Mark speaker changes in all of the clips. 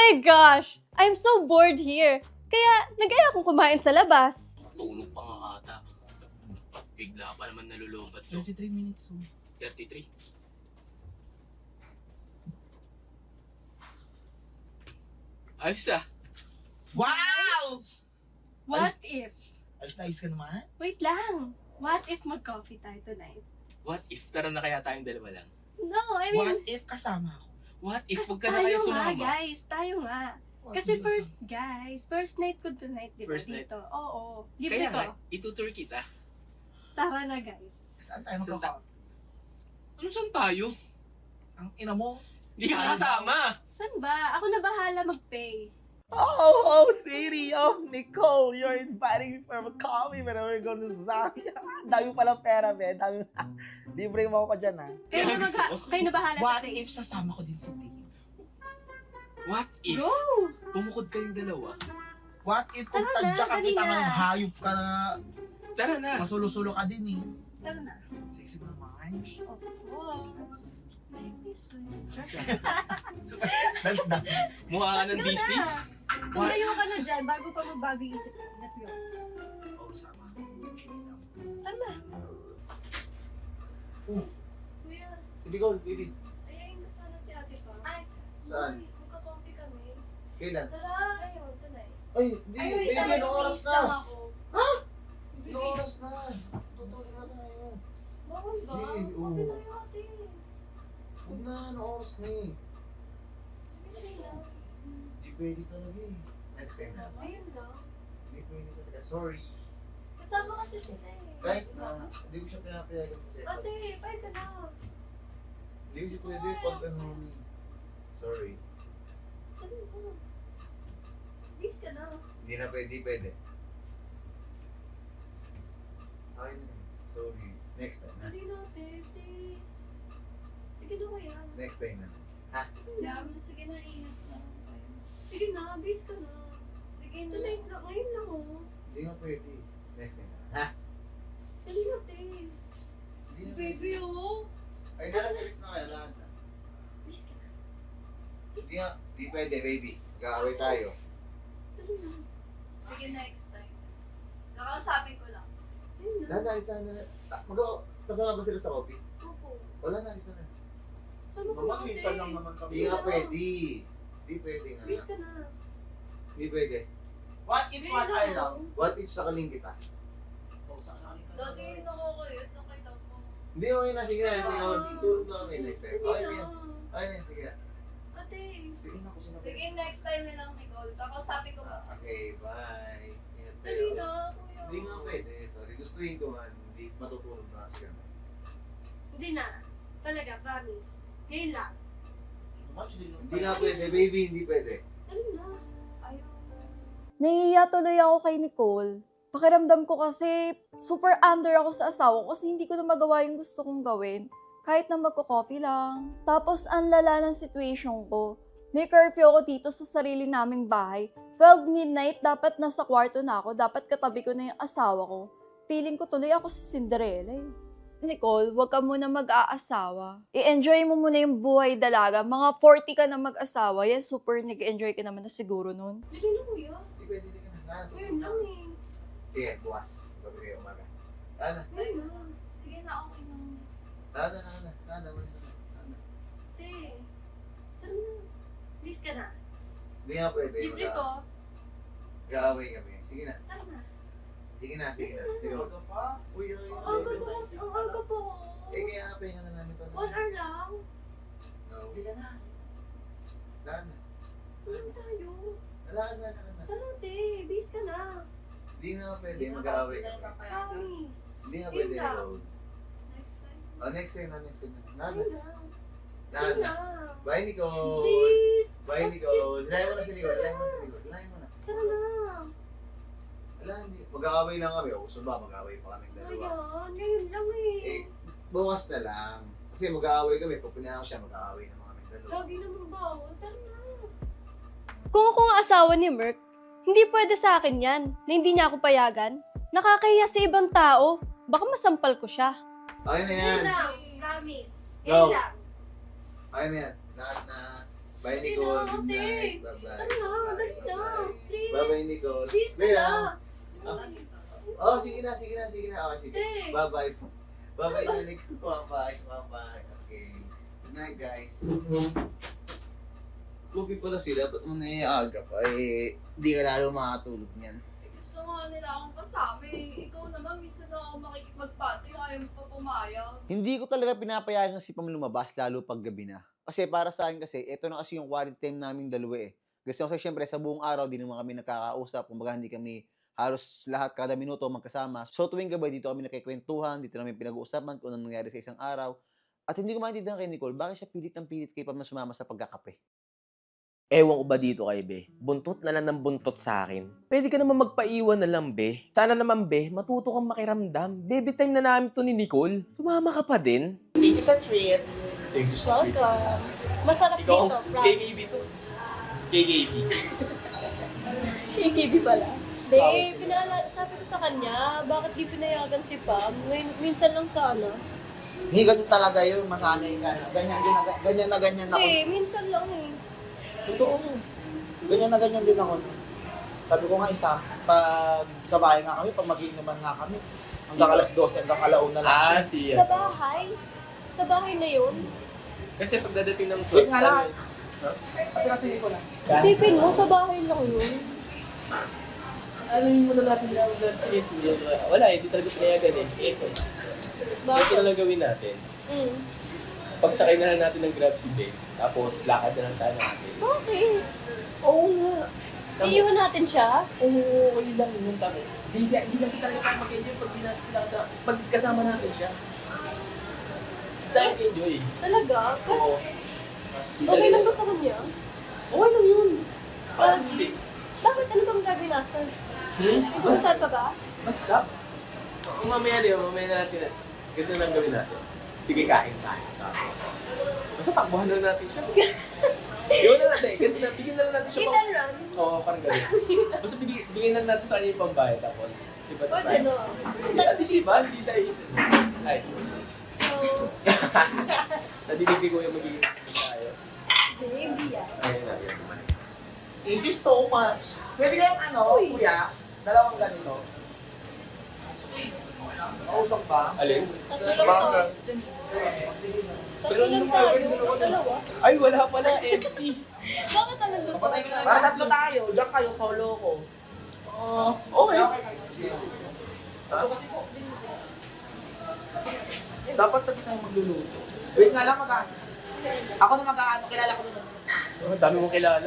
Speaker 1: my gosh! I'm so bored here. Kaya nag-aya akong kumain sa labas.
Speaker 2: Tulog pa nga ata. Bigla pa naman nalulubat to.
Speaker 3: 33 minutes.
Speaker 2: 33. Ayos ah.
Speaker 3: Wow!
Speaker 4: What if?
Speaker 3: Ayos na ayos ka naman.
Speaker 4: Wait lang. What if mag-coffee tayo tonight?
Speaker 2: What if tara na kaya tayong dalawa lang?
Speaker 4: No, I mean,
Speaker 3: What if kasama ako?
Speaker 2: What if
Speaker 4: kasi
Speaker 2: huwag ka na kayo
Speaker 4: tayo nga,
Speaker 2: sumama?
Speaker 4: guys. Tayo nga.
Speaker 3: What
Speaker 4: Kasi
Speaker 3: if
Speaker 4: first night ko tonight, di ba,
Speaker 2: First night?
Speaker 4: dito? Oo. Libre
Speaker 2: Kaya
Speaker 4: ko.
Speaker 2: nga, itutur kita.
Speaker 4: Tara na, guys.
Speaker 3: Saan tayo magka-coffee?
Speaker 2: Ano saan tayo?
Speaker 3: Ang ina mo.
Speaker 2: Hindi ka kasama.
Speaker 4: Saan ba? Ako na bahala mag-pay.
Speaker 3: Oh, city of Nicole, you're inviting me for a coffee when we're going to Zambia. Dami palang pera, be. Dami. Libre mo ako dyan, ha?
Speaker 4: Kayo na,
Speaker 2: gusto ko.
Speaker 4: kayo na bahala
Speaker 3: What
Speaker 4: sa
Speaker 3: if sasama ko din si Dave?
Speaker 2: What if
Speaker 4: Go!
Speaker 2: bumukod kayong dalawa?
Speaker 3: What if kung
Speaker 4: Tara na,
Speaker 3: tadya ka
Speaker 4: dali
Speaker 3: kita
Speaker 4: na.
Speaker 3: ng hayop ka na
Speaker 2: Tara na.
Speaker 3: masulo-sulo ka din, eh.
Speaker 4: Tara na.
Speaker 3: Sexy mo naman.
Speaker 4: Of course. Like this way.
Speaker 3: Dance.
Speaker 2: Mukha ka ng
Speaker 4: Let's go
Speaker 2: Disney.
Speaker 4: na. Tumayo ka na dyan bago pa magbago yung isip mo. Let's go.
Speaker 3: Oh, sama.
Speaker 4: Tara na.
Speaker 5: Kuya,
Speaker 3: Sige, go, baby.
Speaker 5: ayayin mo sana si ate pa. Ay,
Speaker 3: Saan?
Speaker 5: magka-coffee kami.
Speaker 3: Kailan?
Speaker 5: Tara, ayun, tonight.
Speaker 3: Ay, hindi.
Speaker 5: Ay,
Speaker 3: Baby,
Speaker 5: tara,
Speaker 3: anong oras
Speaker 5: please
Speaker 3: na?
Speaker 5: lang ako.
Speaker 3: Anong oras na? Tutulog na tayo.
Speaker 5: Bawal ba?
Speaker 3: Hindi, oo.
Speaker 5: Okay tayo ate.
Speaker 3: Huwag na, anong oras na eh.
Speaker 5: Sige na rin lang.
Speaker 3: Hindi pwede talaga eh. Next time na.
Speaker 5: Ayun lang.
Speaker 3: Hindi pwede talaga. Sorry.
Speaker 5: Kasama kasi sila eh.
Speaker 3: Kahit na, hindi ko siya pinapayagan kasi.
Speaker 5: Ate, pahit ka na.
Speaker 3: Hindi ko siya pwede pag ano eh. Sorry.
Speaker 5: Sabi mo. Please ka na.
Speaker 3: Hindi na pwede, pwede. Ay, sorry. Next time na.
Speaker 5: Dali na ate, please. Sige na kaya.
Speaker 3: Next time na.
Speaker 5: Sige na, ingat na. Sige na, please ka na. Sige na.
Speaker 4: Tonight na. Ngayon lang, oh.
Speaker 3: Hindi nga pwede. Next time na. Ha?
Speaker 5: Dali na ate.
Speaker 3: Hindi
Speaker 5: Si
Speaker 3: na
Speaker 5: baby oh.
Speaker 3: Ay, nakasalis na kayo. Lahat na.
Speaker 5: Please ka na.
Speaker 3: Hindi nga. Hindi pwede, baby. Mag-aaway tayo.
Speaker 5: Dali na. Sige, next time. Nakausapin ko lang.
Speaker 4: Ayun na.
Speaker 3: Lahat na, isa na. Kasama ba sila sa coffee?
Speaker 5: Opo.
Speaker 3: Wala na, isa na.
Speaker 5: Sama ko
Speaker 6: Naman,
Speaker 5: ate.
Speaker 6: minsan lang naman kami.
Speaker 3: Hindi nga pwede. Hindi pwede nga.
Speaker 4: Please ka na.
Speaker 3: Hindi pwede.
Speaker 6: What if
Speaker 5: Ngayon
Speaker 6: one hour lang?
Speaker 3: What if sakaling kita?
Speaker 6: Oh, sa akin ka
Speaker 5: Dati
Speaker 6: na.
Speaker 5: nakakayot, nakita ko.
Speaker 3: Hindi, okay na. Sige na. Sige na. Tulog na kami next time. Okay na
Speaker 5: Hindi
Speaker 3: yan.
Speaker 5: na.
Speaker 3: Okay na yan. Sige na.
Speaker 5: Ate.
Speaker 3: Sige na. Kusin na.
Speaker 5: Sige, next time na lang, Nicole. Kakausapin ko pa.
Speaker 3: Okay, bye. Ingat
Speaker 5: Dali
Speaker 3: kayo.
Speaker 5: na, kuya.
Speaker 3: Hindi nga pwede. Sorry. Gustuhin ko man. Hindi matutulog na kasi kami.
Speaker 4: Hindi na. Talaga, promise. Ngayon lang.
Speaker 3: Hindi nga pwede, baby. Hindi pwede.
Speaker 4: Dali na.
Speaker 5: Ayaw.
Speaker 1: Nahihiya tuloy ako kay Nicole. Pakiramdam ko kasi super under ako sa asawa ko kasi hindi ko na magawa yung gusto kong gawin. Kahit na magko-coffee lang. Tapos ang lala ng situation ko. May curfew ako dito sa sarili naming bahay. 12 midnight, dapat nasa kwarto na ako. Dapat katabi ko na yung asawa ko. Feeling ko tuloy ako si Cinderella eh. Nicole, wag ka muna mag-aasawa. I-enjoy mo muna yung buhay dalaga. Mga 40 ka na mag-asawa. Yan, super nag-enjoy ka naman na siguro nun.
Speaker 4: Dali na, kuya.
Speaker 3: Hindi pwede. Hindi ka na.
Speaker 4: Ngayon lang eh.
Speaker 3: Sige, bukas. Gabi kayo umaga. Tana.
Speaker 4: Ngayon na.
Speaker 5: Sige na, okay na.
Speaker 3: Tana. Malis na. Tana.
Speaker 4: Ate. Tara na. Please ka na.
Speaker 3: Hindi nga pwede.
Speaker 4: Libre ko.
Speaker 3: Mag-aaway kami. Sige na.
Speaker 4: Tara na.
Speaker 3: Sige na. Sige na. Sige na.
Speaker 6: Huwag ka pa.
Speaker 3: Uy,
Speaker 4: Ang aga po kasi. Ang aga po.
Speaker 3: Eh, kaya pahinga na namin ito.
Speaker 4: 1 hour lang.
Speaker 3: No.
Speaker 6: Hindi ka na.
Speaker 3: Tana.
Speaker 4: Ano tayo?
Speaker 3: Tara na.
Speaker 4: Tara ate. Please ka na.
Speaker 3: Hindi na pwede. Mag-aaway kami.
Speaker 4: Promise.
Speaker 3: Hindi nga
Speaker 4: Yun
Speaker 3: pwede.
Speaker 4: lang.
Speaker 3: Nicole.
Speaker 5: Next time.
Speaker 3: Oh, next time na. Nana.
Speaker 4: Ngayon lang. Ngayon
Speaker 3: Nana.
Speaker 4: lang.
Speaker 3: Bye, Nicole.
Speaker 4: Please.
Speaker 3: Bye, Nicole. Layan mo na si Nicole. Layan mo na.
Speaker 4: Tara na.
Speaker 3: Wala, hindi. Mag-aaway lang kami. O, gusto ba? Mag-aaway pa kami dalawa.
Speaker 4: Ayan. Ngayon lang eh.
Speaker 3: Eh, bukas na lang. Kasi mag-aaway kami. Pag pinahan ko siya, mag-aaway naman kami dalawa.
Speaker 4: Lagi naman bawal. Tara na.
Speaker 1: Kung ako ang asawa ni Merc, hindi pwede sa akin yan na hindi niya ako payagan. Nakakahiya sa ibang tao. Baka masampal ko siya.
Speaker 3: Okay na yan.
Speaker 4: Ngayon lang. Promise.
Speaker 3: Go.
Speaker 4: Ngayon lang.
Speaker 3: Okay na yan. Lahat na
Speaker 7: Bye,
Speaker 5: Sige
Speaker 7: Nicole.
Speaker 5: na,
Speaker 7: Good
Speaker 5: ate.
Speaker 7: night. Bye-bye.
Speaker 5: Tara na, dali na. Please.
Speaker 7: Bye-bye, Nicole.
Speaker 5: Please ka
Speaker 7: Bea.
Speaker 5: na.
Speaker 7: Oh, sige na. Oh, sige.
Speaker 5: Ate.
Speaker 7: Bye-bye. Bye-bye, Nicole. Bye-bye. Okay. Good night, guys. Lupi pala sila. Ba't mo naiaga pa? Di ka lalo makatulog niyan.
Speaker 1: Gusto nga nila akong kasama eh. Ikaw naman, minsan na ako makikipagpati, ayaw mo pa pumayag.
Speaker 3: Hindi ko talaga pinapayagan si Pam lumabas, lalo pag gabi na. Kasi para sa akin kasi, ito na kasi yung quality time naming dalawa eh. Gusto ko kasi syempre sa buong araw, di naman kami nakakausap. Kumbaga hindi kami halos lahat kada minuto magkasama. So tuwing gabi dito kami nakikwentuhan, dito namin pinag-uusapan kung anong nangyari sa isang araw. At hindi ko maintindihan kay Nicole, bakit siya pilit ng pilit kay Pam na sumama sa pagkakape?
Speaker 8: Ewan ko ba dito kay Be? Buntot na lang ng buntot sa akin. Pwede ka naman magpaiwan na lang, Be. Sana naman, Be, matuto kang makiramdam. Baby time na namin to ni Nicole. Sumama ka pa din.
Speaker 6: Thank you sa treat.
Speaker 4: Welcome. Masarap dito, promise.
Speaker 8: KKB to. KKB.
Speaker 4: KKB pala. Hindi, sabi ko sa kanya, bakit di pinayagan si Pam? Ngayon, minsan lang sana.
Speaker 6: Hindi, ganun talaga yun. Masanay ka. Ganyan na ganyan ako.
Speaker 4: Hindi, minsan lang eh.
Speaker 6: Totoo. Ganyan na ganyan din ako. Sabi ko nga isa, pag sa bahay nga kami, pag magiinuman nga kami, hanggang alas 12, hanggang alauna lang.
Speaker 8: siya.
Speaker 4: Sa bahay? Sa bahay na yun?
Speaker 8: Kasi pagdadating ng
Speaker 6: Wait nga lang. Kasi nasingin ko lang.
Speaker 4: Isipin mo, sa bahay lang yun.
Speaker 8: Alamin mo na natin na sige, wala eh, di talaga pinayagan eh. Ito. Ito na lang gawin natin. Pagsakay na lang natin ng Grab si Be, tapos lakad na lang tayo natin.
Speaker 4: Bakit?
Speaker 8: Oo nga.
Speaker 4: Iiwan natin siya?
Speaker 8: Oo, okay lang yun. Di kasi talaga tayo mag-enjoy pag di natin sila pag kasama natin siya. Tayo enjoy.
Speaker 4: Talaga?
Speaker 8: Oo.
Speaker 4: Okay lang ba sa kanya?
Speaker 8: Okay lang yun.
Speaker 4: Bakit? Bakit? Ano bang gagawin after? Basta pa ba?
Speaker 8: Basta. Mamaya na natin. Ganito lang gawin natin. Sige, kain tayo. Tapos, basta takbuhan na natin siya. Gawin na natin. Ganito na, bigyan na lang natin siya.
Speaker 4: Hit and run?
Speaker 8: Oo, parang gawin. Basta bigyan na natin sa kanya yung pambayad. Tapos, sibat
Speaker 4: O,
Speaker 8: tayo.
Speaker 4: ano?
Speaker 8: At isipan, hindi tayo. Ay. Nadinig ko yung magiging tayo.
Speaker 4: Hindi yan.
Speaker 8: Ayun na, yun.
Speaker 6: Thank you so much. Pwede kayong kuya, dalawang ganito. Mausap ba?
Speaker 8: Alin?
Speaker 4: Tatlo lang
Speaker 6: Baka.
Speaker 4: tayo. Tatlo lang tayo. Dalawa.
Speaker 8: Ay, wala pala. Empty.
Speaker 4: Bakit talaga pa tayo?
Speaker 6: Para tatlo tayo. Diyan kayo, solo ko.
Speaker 8: Okay.
Speaker 6: Dapat sa tayo magluluto. Wait nga lang, ako na mag-aano, kilala ko naman.
Speaker 8: Oh, dami mong kilala.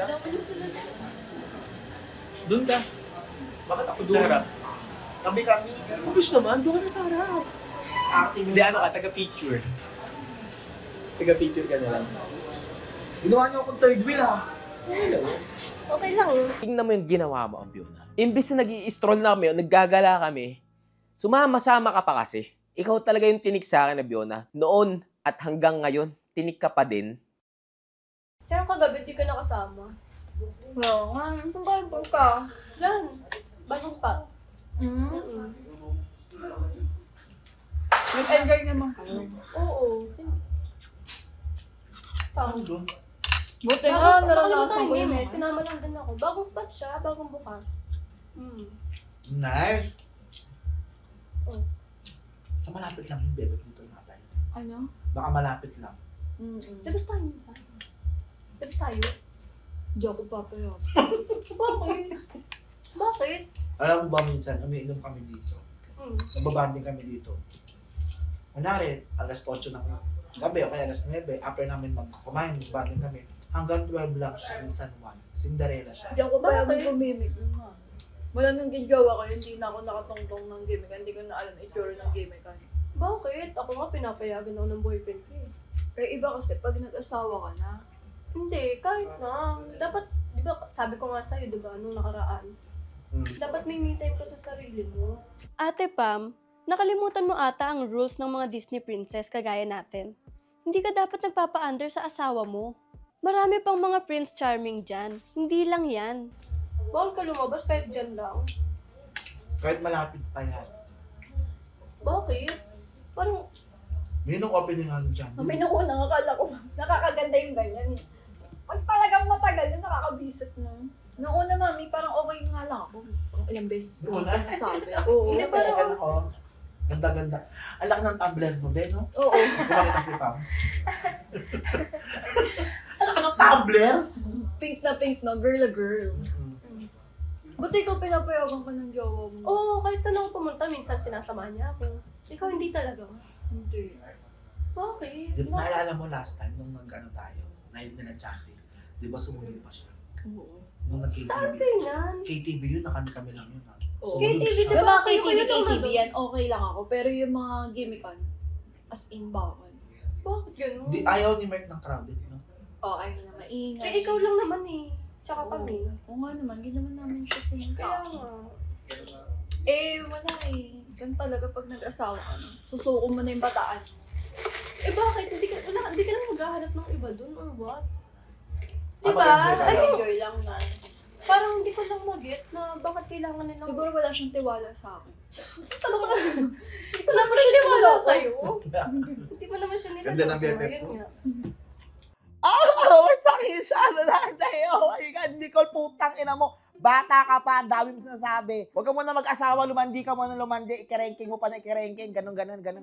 Speaker 8: Doon ka.
Speaker 6: Bakit ako
Speaker 8: Sa
Speaker 6: doon?
Speaker 8: harap.
Speaker 6: Kami.
Speaker 8: Ubus naman, doon ka na sa harap.
Speaker 6: Acting.
Speaker 8: Hindi, ano ka, taga-picture. Taga-picture ka na lang.
Speaker 6: Ginawa niyo akong third wheel ha.
Speaker 4: Okay lang.
Speaker 8: Tingnan mo yung ginawa mo, Ambiona. Imbis na nag-i-stroll na kami o naggagala kami, sumama-sama ka pa kasi. Ikaw talaga yung tinik sa akin, Ambiona. Noon at hanggang ngayon, tinik ka pa din.
Speaker 4: Kaya kagabi, di ka nakasama.
Speaker 1: Oo nga, kung bakit ka?
Speaker 4: Yan. Bagong spot.
Speaker 1: Nag-enjoy naman kayo.
Speaker 4: Oo. Tama.
Speaker 1: Buti nga, naranasan ko yun.
Speaker 4: Sinama lang din ako. Bagong spot siya, bagong bukas.
Speaker 6: Nice.
Speaker 4: Oh.
Speaker 6: Sa malapit lang yung bebe dito natin.
Speaker 1: Ano?
Speaker 6: Baka malapit lang.
Speaker 4: Labas tayo minsan. Labas tayo.
Speaker 1: Hindi ako papayag.
Speaker 4: Bakit? Bakit?
Speaker 6: Alam mo ba minsan, umiinom kami dito. Nagbabanding kami dito. Kunwari, alas 8 ng gabi o kaya alas 9, after namin kumain, magbanding kami. Hanggang 12 lang siya, minsan 1. Cinderella siya.
Speaker 1: Hindi ako papayag
Speaker 4: Bakit?
Speaker 1: gumimik nun nga. Wala nang ginjawa ko, hindi na ako nakatongtong ng gimmick. Hindi ko na alam itsura ng gimmick.
Speaker 4: Bakit? Ako nga pinapayagan ako ng boyfriend ko eh.
Speaker 1: Eh, iba kasi, pag nag-asawa ka na,
Speaker 4: Hindi, kahit na. Dapat, di ba, sabi ko nga sa'yo, di ba, nung nakaraan. Dapat may me time ka sa sarili mo.
Speaker 9: Ate Pam, nakalimutan mo ata ang rules ng mga Disney princess kagaya natin. Hindi ka dapat nagpapa-under sa asawa mo. Marami pang mga Prince Charming dyan. Hindi lang yan.
Speaker 4: Bawal ka lumabas kahit dyan lang.
Speaker 6: Kahit malapit pa yan.
Speaker 4: Bakit? Parang,
Speaker 6: May nung opening ano dyan.
Speaker 1: may naunang akala ko, nakakaganda yung ganyan eh. Pag talagang matagal na nakakabisit na. Noong una, mami, parang okay nga lang ako. Parang ilang beses ko
Speaker 6: Noong una?
Speaker 1: nasabi. Oo.
Speaker 6: Hindi pa yan ako. Ganda-ganda. Ang laki ng tumbler mo, Ben, no?
Speaker 1: Oo.
Speaker 6: Kumakita si Pam. Ang laki ng tumbler?
Speaker 1: Pink na, girl na girl. Buti ikaw pinapayagan ka ng jowa mo.
Speaker 4: Oo, kahit saan ako pumunta, minsan sinasamahan niya ako. Ikaw hindi talaga.
Speaker 1: Hindi.
Speaker 4: Bakit?
Speaker 6: Di ba naalala mo last time nung nag-ano tayo, nag-chatting, di ba sumunod pa siya?
Speaker 1: Oo.
Speaker 6: Nung
Speaker 4: Saan
Speaker 6: nag-KTV.
Speaker 4: kayo yan?
Speaker 6: KTV yun, kami lang yun. Ha?
Speaker 1: Oo.
Speaker 6: Sumunod
Speaker 4: KTV,
Speaker 6: siya.
Speaker 1: Yung mga
Speaker 4: Kayo
Speaker 1: KTV
Speaker 4: nandun.
Speaker 1: yan, okay lang ako. Pero yung mga gimmickan, as in bawal.
Speaker 4: Bakit ganun?
Speaker 6: Di, ayaw ni Mark ng crowded, no?
Speaker 1: Oo, ayaw na maingay.
Speaker 4: Eh, ikaw lang naman eh. Tsaka kami.
Speaker 1: Oo nga naman, hindi naman namin siya
Speaker 4: Kaya
Speaker 1: sinasabi.
Speaker 4: nga.
Speaker 1: Wala eh. Ganun talaga pag nag-asawa ka na. Susuko mo na yung bataan.
Speaker 4: Eh bakit? Hindi ka lang maghahanap ng iba dun or what?
Speaker 6: Ah,
Speaker 4: Diba?
Speaker 6: mag-enjoy ka
Speaker 4: Ay,
Speaker 6: lang.
Speaker 1: Enjoy lang na.
Speaker 4: parang hindi ko lang mag-gets na bakit kailangan nilang...
Speaker 1: Siguro wala siyang tiwala sa akin.
Speaker 4: talaga. Hindi ko naman siya niwala sa'yo. Hindi ko naman siya niwala.
Speaker 6: Ganda ng bebe
Speaker 4: Ayun
Speaker 6: ko.
Speaker 4: nga.
Speaker 10: We're talking siya. Ano na tayo? Oh my God, Nicole, putang ina mo. Bata ka pa, ang dami mo sinasabi. Huwag ka muna mag-asawa, lumandi ka muna lumandi, ikiranking mo pa na ikiranking, ganun.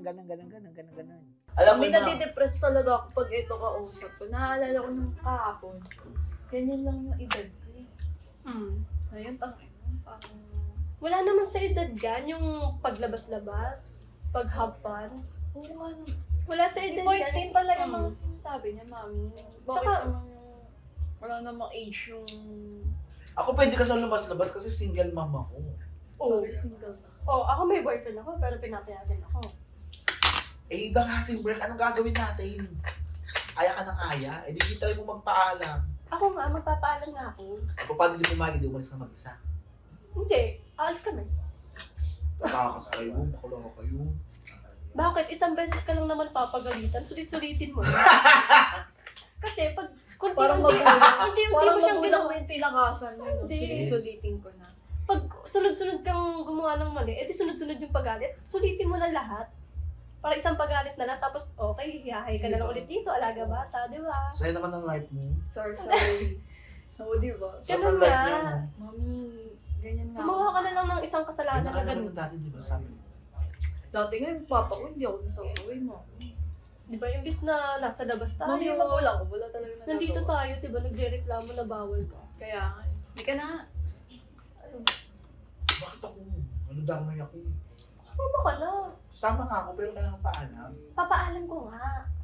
Speaker 6: Alam mo
Speaker 1: May
Speaker 6: na,
Speaker 1: nadidepress talaga ako pag ito kausap ko. Naalala ko nung kahapon. Ganyan lang yung edad ko eh. Ngayon, parang...
Speaker 4: Wala naman sa edad yan, yung paglabas-labas, pag-have fun.
Speaker 1: Oo nga naman.
Speaker 4: Wala sa edad
Speaker 1: Point
Speaker 4: yan.
Speaker 1: din talaga mga sinasabi niya, mami. Bakit
Speaker 4: Tsaka-
Speaker 1: naman wala namang age yung...
Speaker 6: ako pwede ka sa lumabas-labas kasi single mom ako.
Speaker 4: Oo.
Speaker 1: Sorry, single na.
Speaker 4: Ako may boyfriend ako, pero pinapayagan ako.
Speaker 6: Eh, iba nga si Mark, anong gagawin natin? Aya ka ng aya, eh di try mo magpaalam.
Speaker 4: Ako nga, magpapaalam nga ako.
Speaker 6: O paano di pumagi, di umalis na mag-isa?
Speaker 4: Hindi, aalis kami.
Speaker 6: Tatakas kayo, makulong kayo.
Speaker 4: Bakit? Isang beses ka lang naman papagalitan, sulit-sulitin mo. Kasi pag
Speaker 1: Parang
Speaker 4: unti-unti
Speaker 1: magulang.
Speaker 4: unti-unti
Speaker 1: Parang
Speaker 4: mo siyang
Speaker 1: magulang
Speaker 4: ginawa.
Speaker 1: mo yung tinakasan mo. No?
Speaker 4: Hindi.
Speaker 1: Sulitin ko na.
Speaker 4: Pag sunod-sunod kang gumawa ng mali, edi sunod-sunod yung pagalit, sulitin mo na lahat. Para isang pagalit na lang, tapos okay, hihahay ka na lang ulit dito, alaga bata, di ba?
Speaker 6: Saya naman ng life mo.
Speaker 1: Sorry. Oo, di ba?
Speaker 6: Saya
Speaker 4: Ganun
Speaker 6: ng life
Speaker 4: nga.
Speaker 6: niya, no?
Speaker 1: Mami, ganyan nga.
Speaker 4: Gumawa ka na lang ng isang kasalanan na
Speaker 6: Pinakala
Speaker 4: ganun.
Speaker 6: naman dati, di ba, sabi mo?
Speaker 1: Dati nga yung papa ko, hindi ako nasasaway mo.
Speaker 4: Di ba, imbis na nasa labas tayo,
Speaker 1: Mami, yung magulang ko, wala talaga nagagawa.
Speaker 4: nandito tayo, di ba, nagre-reklamo na bawal ka.
Speaker 1: Kaya nga, hindi ka na.
Speaker 6: Bakit ako? Ano damay ako?
Speaker 4: Sumama ka na.
Speaker 6: Sama nga ako, pero kailangan paalam.
Speaker 4: Papaalam ko nga.